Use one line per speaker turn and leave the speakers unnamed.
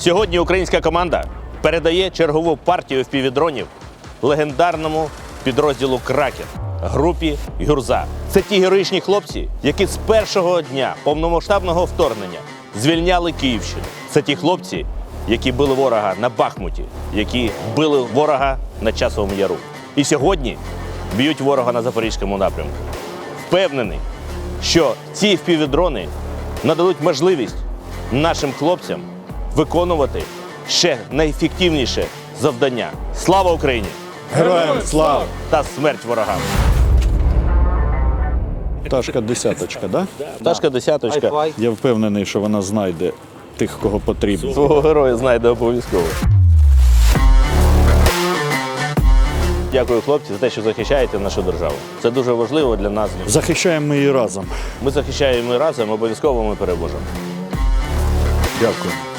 Сьогодні українська команда передає чергову партію FPV-дронів легендарному підрозділу «Кракен» групі «Гюрза». Це ті героїчні хлопці, які з першого дня повномасштабного вторгнення звільняли Київщину. Це ті хлопці, які били ворога на Бахмуті, які били ворога на Часовому Яру. І сьогодні б'ють ворога на Запорізькому напрямку. Впевнений, що ці FPV-дрони нададуть можливість нашим хлопцям виконувати ще найефективніше завдання. Слава Україні!
Героям слава!
Та смерть ворогам!
Пташка десяточка, да?
Пташка десяточка.
Я впевнений, що вона знайде тих, кого потрібно.
Свого героя знайде обов'язково. Дякую, хлопці, за те, що захищаєте нашу державу. Це дуже важливо для нас.
Захищаємо ми її разом.
Ми захищаємо разом, обов'язково ми переможемо.
Дякую.